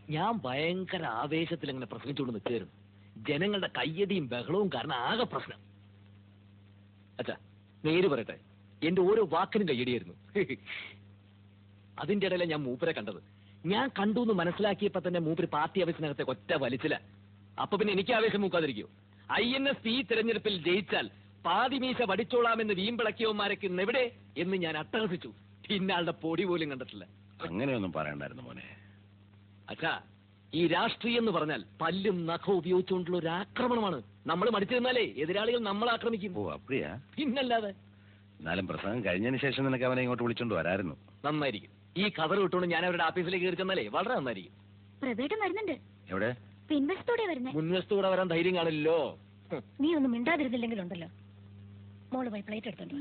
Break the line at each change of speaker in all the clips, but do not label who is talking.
ഞാൻ ഭയങ്കര ആവേശത്തിൽ അങ്ങനെ പ്രസംഗിച്ചുകൊണ്ട് നിൽക്കുകയായിരുന്നു. ജനങ്ങളുടെ കയ്യടിയും ബഹളവും കാരണം ആകെ പ്രശ്നം. അച്ഛാ നേര് പറയട്ടെ, എന്റെ ഓരോ വാക്കിനും കയ്യടിയായിരുന്നു. അതിന്റെ ഇടയിലെ ഞാൻ മൂപ്പരെ കണ്ടത്. ഞാൻ കണ്ടു എന്ന് മനസ്സിലാക്കിയപ്പോ തന്നെ മൂപ്പര് പാർട്ടി ആവേശത്തിനകത്തെ ഒറ്റ വലിച്ചില്ല. അപ്പൊ പിന്നെ എനിക്ക് ആവേശം മൂക്കാതിരിക്കോ? INS ഈ തെരഞ്ഞെടുപ്പിൽ ജയിച്ചാൽ പാതിമീശ വടിച്ചോളാമെന്ന് വീമ്പിളക്കിയവന്മാരൊക്കെ എവിടെ എന്ന് ഞാൻ അട്ടഹസിച്ചു. ഇന്നാളുടെ പൊടി പോലും കണ്ടിട്ടില്ല.
അങ്ങനെയൊന്നും പറയണ്ടായിരുന്നു മോനെ.
അച്ഛാ, ഈ രാഷ്ട്രീയം എന്ന് പറഞ്ഞാൽ പല്ലും നഖവും ഉപയോഗിച്ചുകൊണ്ടുള്ള ഒരു ആക്രമണമാണ്. നമ്മൾ മടിച്ചിരുന്നാലേ എതിരാളികൾ നമ്മളെ ആക്രമിക്കും.
ഓ അപ്പടിയാ?
പിന്നല്ലാതെ.
എന്നാലും പ്രസംഗം കഴിഞ്ഞതിന് ശേഷം നിനക്ക് അവനെ ഇങ്ങോട്ട് വിളിച്ചോണ്ട് വരായിരുന്നു.
നന്നായിരിക്കും. ഈ കവർ ഇട്ടുകൊണ്ട് ഞാൻ അവരുടെ ഓഫീസിലേക്ക് കയറി ചെന്നാലേ വളരെ നന്നായിരിക്കും.
പ്രവേട്ടം വരുന്നുണ്ട്.
എവിടെ?
പിൻവശത്തോടെ വരുന്നേ.
മുൻവശത്തൂടെ വരാൻ ധൈര്യം കാണില്ലല്ലോ.
നീ ഒന്നും മിണ്ടാതിരുന്നില്ലെങ്കിലുണ്ടല്ലോ. മോള് പോയി പ്ലേറ്റ് എടുത്തോണ്ട് വാ.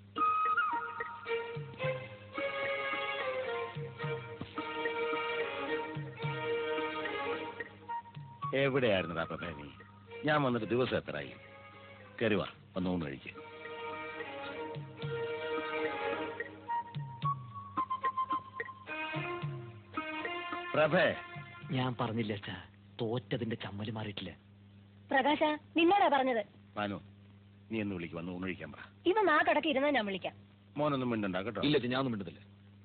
എവിടെയായിരുന്നു പ്രഭേ നീ? ഞാൻ വന്നിട്ട് ദിവസം എത്രയായി? കരുവാ വന്ന് ഊണ് കഴിക്കുക. പ്രഭേ,
ഞാൻ പറഞ്ഞില്ല അച്ഛാ, തോറ്റതിന്റെ ചമ്മല് മാറിയിട്ടില്ല.
പ്രകാശ, നിന്നോടാ പറഞ്ഞത്.
മാനു, നീ എന്ന് വിളിക്കും, വന്ന് ഊണ് കഴിക്കാൻ പറ.
ഇവ നാക്കടക്ക് ഇരുന്നാ ഞാൻ വിളിക്കാം.
മോനൊന്നും മിണ്ടണ്ട കേട്ടോ.
ഇല്ല, ഞാനൊന്നും മിണ്ടുന്നില്ല.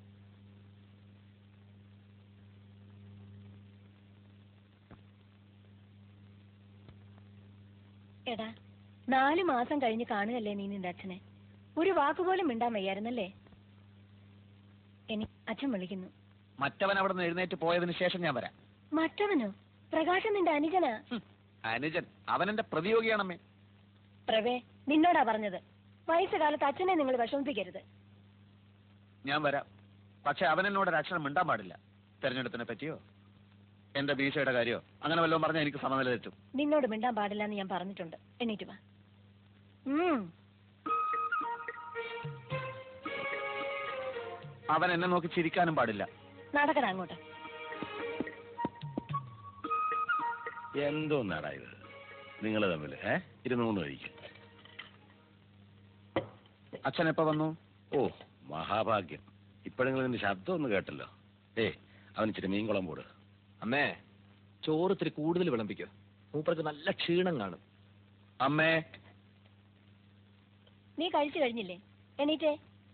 എടാ, 4 മാസം കഴിഞ്ഞ് കാണുകയല്ലേ നീ നിന്റെ അച്ഛനെ. ഒരു വാക്കുപോലും മിണ്ടാൻ വയ്യായിരുന്നല്ലേ? അച്ഛൻ വിളിക്കുന്നു.
മറ്റവൻ അവിടെ നിന്ന് എഴുന്നേറ്റ് പോയതിനു ശേഷം ഞാൻ വരാം.
മറ്റവനോ? പ്രകാശൻ നിന്റെ അനുജനാ.
അനുജൻ? അവൻ എന്റെ പ്രതിയോഗിയാണമ്മേ.
പ്രവേ, നിന്നോടാ പറഞ്ഞത്. വയസ്സുകാലത്ത് അച്ഛനെ നിങ്ങൾ വിഷമിപ്പിക്കരുത്.
ഞാൻ വരാം. പക്ഷെ അവൻ എന്നോട് ഒരു അക്ഷരം മിണ്ടാൻ പാടില്ല. തെരഞ്ഞെടുപ്പിനെ പറ്റിയോ എന്റെ ഭീഷയുടെ കാര്യമോ അങ്ങനെ വല്ലതും പറഞ്ഞാൽ എനിക്ക് സമനില തെറ്റും.
നിന്നോട് മിണ്ടാൻ പാടില്ല എന്ന് ഞാൻ പറഞ്ഞിട്ടുണ്ട്. എണീറ്റ് വാ.
അവൻ എന്നെ നോക്കി ചിരിക്കാനും പാടില്ല.
നടക്കണ അങ്ങോട്ട്.
എന്തോന്നാടാ ഇത് നിങ്ങൾ തമ്മിൽ? ഇരുന്ന് ഊണ് കഴിക്കും.
അച്ഛൻ എപ്പോ വന്നു?
ഓ മഹാഭാഗ്യം. ഇപ്പോഴെങ്കിലും നിന്റെ ശബ്ദം ഒന്ന് കേട്ടല്ലോ. അവൻ ഇച്ചിരി മീൻകുളം പോട്.
അമ്മേ, ചോറ് ഇത്തിരി കൂടുതൽ വിളമ്പിക്കോ. മൂപ്പർക്ക് നല്ല ക്ഷീണം കാണും.
അമ്മേ,
നീ കഴിച്ചു കഴിഞ്ഞില്ലേ? എണീറ്റേ.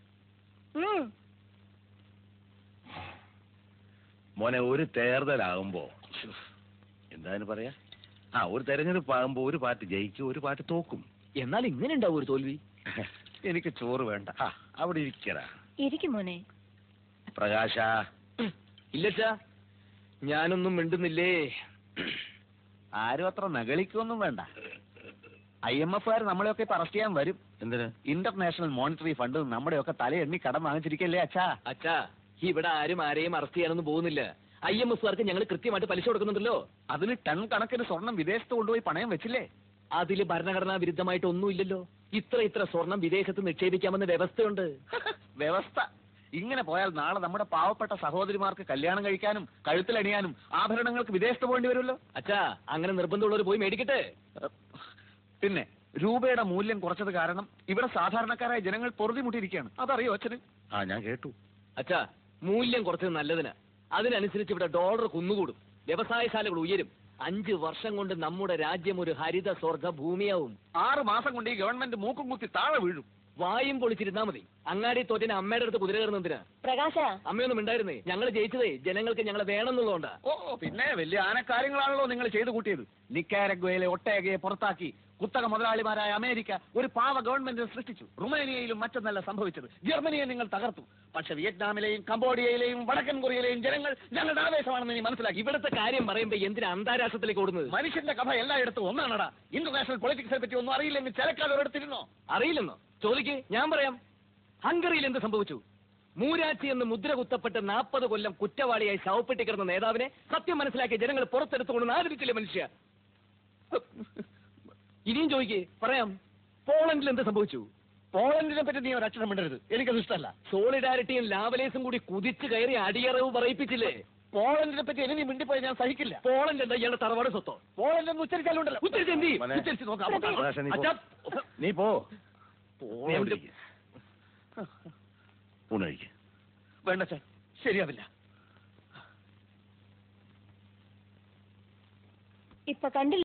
മോനെ, ഒരു തേർതലാകുമ്പോ എന്തായാലും പറയാ, ഒരു തെരഞ്ഞെടുപ്പ് ആകുമ്പോ ഒരു പാർട്ടി ജയിക്കും, ഒരു പാർട്ടി തോക്കും.
എന്നാൽ ഇങ്ങനെ ഉണ്ടാവും ഒരു തോൽവി.
എനിക്ക് ചോറ് വേണ്ട. അവിടെ ഇരിക്കടാ.
ഇരിക്കും മോനെ.
പ്രകാശ.
ഇല്ലച്ചാ, ഞാനൊന്നും മിണ്ടുന്നില്ലേ.
ആരും അത്ര നകളിക്കൊന്നും വേണ്ട. IMF-കാർ നമ്മളെയൊക്കെ ഇപ്പൊ അറസ്റ്റ് ചെയ്യാൻ വരും.
എന്തിന്?
ഇന്റർനാഷണൽ മോണിറ്ററി ഫണ്ട് നമ്മുടെയൊക്കെ തലയെണ്ണി കടം വാങ്ങിച്ചിരിക്കല്ലേ അച്ഛാ.
അച്ഛാ, ഇവിടെ ആരും ആരെയും അറസ്റ്റ് ചെയ്യാനൊന്നും പോകുന്നില്ല. IMF-കാർക്ക് ഞങ്ങൾ കൃത്യമായിട്ട് പലിശ കൊടുക്കുന്നുണ്ടല്ലോ.
അതിന് ടൺ കണക്കിന് സ്വർണം വിദേശത്ത് കൊണ്ടുപോയി പണയം വെച്ചില്ലേ?
അതില് ഭരണഘടനാ വിരുദ്ധമായിട്ട് ഒന്നുമില്ലല്ലോ. ഇത്ര സ്വർണം വിദേശത്ത് നിക്ഷേപിക്കാമെന്ന വ്യവസ്ഥയുണ്ട്.
വ്യവസ്ഥ? ഇങ്ങനെ പോയാൽ നാളെ നമ്മുടെ പാവപ്പെട്ട സഹോദരിമാർക്ക് കല്യാണം കഴിക്കാനും കഴുത്തിലണിയാനും ആഭരണങ്ങൾക്ക് വിദേശത്ത് പോകേണ്ടി വരുമല്ലോ.
അച്ഛാ, അങ്ങനെ നിർബന്ധമുള്ളവർ പോയി മേടിക്കട്ടെ.
പിന്നെ രൂപയുടെ മൂല്യം കുറച്ചത് കാരണം ഇവിടെ സാധാരണക്കാരായ ജനങ്ങൾ പൊറുതിമുട്ടിയിരിക്കുകയാണ്. അതറിയോ അച്ഛന്?
ഞാൻ കേട്ടു.
അച്ഛാ, മൂല്യം കുറച്ചത് നല്ലതിന്. അതിനനുസരിച്ച് ഇവിടെ ഡോളർ കുന്നുകൂടും, വ്യവസായശാലകൾ ഉയരും. 5 വർഷം കൊണ്ട് നമ്മുടെ രാജ്യം ഒരു ഹരിത സ്വർഗ ഭൂമിയാവും.
6 മാസം കൊണ്ട് ഈ ഗവൺമെന്റ് മൂക്കും കുത്തി താഴെ വീഴും.
വായും പൊളിച്ചിരുന്നാ മതി. അങ്ങാടി തോറ്റിന് അമ്മയുടെ അടുത്ത് കുതിര കയറുന്നതിന്.
പ്രകാശ,
അമ്മയൊന്നും ഉണ്ടായിരുന്നേ. ഞങ്ങൾ ജയിച്ചതേ ജനങ്ങൾക്ക് ഞങ്ങളെ വേണമെന്നുള്ളതുകൊണ്ടാ.
പിന്നെ വലിയ ആനക്കാര്യങ്ങളാണല്ലോ നിങ്ങൾ ചെയ്തു കൂട്ടിയത്. നിക്കാരഗ്വയിലെ ഒട്ടേകയെ പുറത്താക്കി കുത്തക മുതലാളിമാരായ അമേരിക്ക ഒരു പാവ ഗവൺമെന്റിനെ സൃഷ്ടിച്ചു. റുമേനിയയിലും മറ്റൊന്നല്ല സംഭവിച്ചത്. ജർമ്മനിയെ നിങ്ങൾ തകർത്തു. പക്ഷെ വിയറ്റ്നാമിലെയും കംബോഡിയയിലെയും വടക്കൻ കൊറിയയിലെയും ജനങ്ങൾ ഞങ്ങളുടെ ആവേശമാണെന്ന് നീ മനസ്സിലാക്കി.
ഇവിടുത്തെ കാര്യം പറയുമ്പോ എന്തിനാ അന്താരാഷ്ട്രത്തിലേക്ക് ഓടുന്നത്?
മനുഷ്യന്റെ കഥ എല്ലായിടത്തും ഒന്നാണടാ. ഇന്റർനാഷണൽ പൊളിറ്റിക്സിനെ പറ്റി ഒന്നും അറിയില്ലെങ്കിൽ ചിലക്കാർ ഒരിടത്തിരുന്നോ?
അറിയില്ലെന്നോ? ചോദിക്ക്, ഞാൻ പറയാം. ഹംഗറിയിൽ എന്ത് സംഭവിച്ചു? മൂരാച്ചി എന്ന് മുദ്ര കുത്തപ്പെട്ട് 40 കൊല്ലം കുറ്റവാളിയായി ശവപ്പെട്ടി കിടന്ന നേതാവിനെ സത്യം മനസ്സിലാക്കിയ ജനങ്ങൾ പുറത്തെടുത്തുകൊണ്ട് ആദരിച്ചില്ലേ മനുഷ്യ? ഇനിയും ചോദിക്കേ, പറയാം. പോളണ്ടിൽ എന്ത് സംഭവിച്ചു?
പോളണ്ടിനെ പറ്റി നീ ഒരക്ഷരം മിണ്ടരുത്. എനിക്കത് ഇഷ്ടമല്ല.
സോളിഡാരിറ്റിയും ലാവലേസും കൂടി കുതിച്ചു കയറി അടിയറവ് പറയിപ്പിച്ചില്ലേ?
പോളണ്ടിനെ പറ്റി ഇനി മിണ്ടിപ്പോയി ഞാൻ സഹിക്കില്ല.
പോളണ്ട് എന്താ ഇയാളുടെ തറവാട് സ്വത്തോ?
പോളണ്ട് എന്ന് ഉച്ചരിച്ചാലുണ്ടല്ലോ.
ഉച്ചരിച്ച് നോക്കാം.
നീ പോ.
വേണ്ട സാർ, ശരിയാവില്ല.
ഇപ്പൊ കണ്ടില്ല